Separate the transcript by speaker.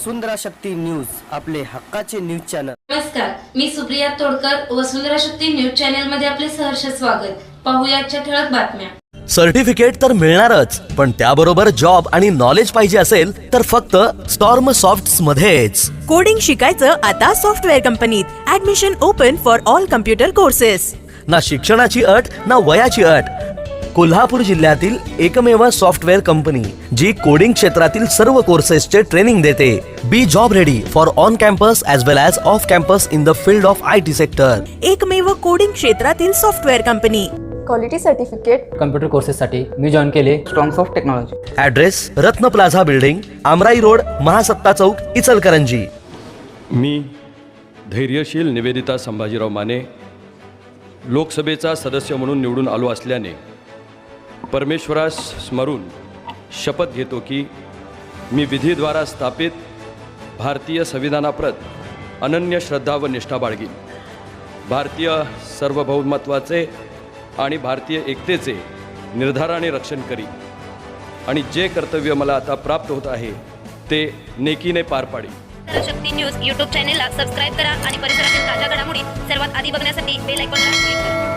Speaker 1: वसुंधरा Shakti news, आपले हक्काचे news channel.
Speaker 2: नमस्कार, मी सुप्रिया तोडकर, वसुंधरा शक्ती न्यूज चॅनल मध्ये आपले सहर्ष स्वागत। पाहूया आजच्या ठळक बातम्या।
Speaker 3: सर्टिफिकेट तर मिळणारच, पण त्याबरोबर जॉब आणि नॉलेज पाहिजे असेल तर फक्त स्टॉर्म सॉफ्ट्स मध्येच।
Speaker 4: कोडिंग शिकायचं आता सॉफ्टवेअर कंपनीत। Admission open for all computer courses.
Speaker 3: ना शिक्षणाची अट ना वयाची अट। कोल्हापूर जिल्ह्यातील एकमेव सॉफ्टवेअर कंपनी जी कोडिंग क्षेत्रातील सर्व कोर्सेसचे ट्रेनिंग देते। Be job ready for on campus as well as off campus in the field of IT sector.
Speaker 4: एकमेव कोडिंग क्षेत्रातील software company.
Speaker 5: Quality certificate
Speaker 6: computer कोर्सेससाठी मी जॉईन केले
Speaker 5: strongs of technology.
Speaker 3: Address Ratna plaza building, Amrai road, Mahasatta Chowk, Ichalkaranji.
Speaker 7: मी धैर्यशील निवेदिता संभाजीराव माने लोकसभेचा सदस्य म्हणून निवडून आलो असल्याने परमेश्वरास स्मरून शपथ घेतो की मी विधीद्वारा स्थापित भारतीय संविधानाप्रत अनन्य श्रद्धा व निष्ठा बाळगीन। भारतीय सार्वभौमत्वाचे आणि भारतीय एकतेचे निर्धाराने रक्षण करी आणि जे कर्तव्य मला आता प्राप्त होत आहे ते नेकीने पार पाडी।
Speaker 8: शक्ती न्यूज यूट्यूब चॅनेलला सबस्क्राईब करा आणि परिसरातील ताज्या घडामोडी सर्वात आधी बघण्यासाठी बेल आयकॉनला क्लिक करा।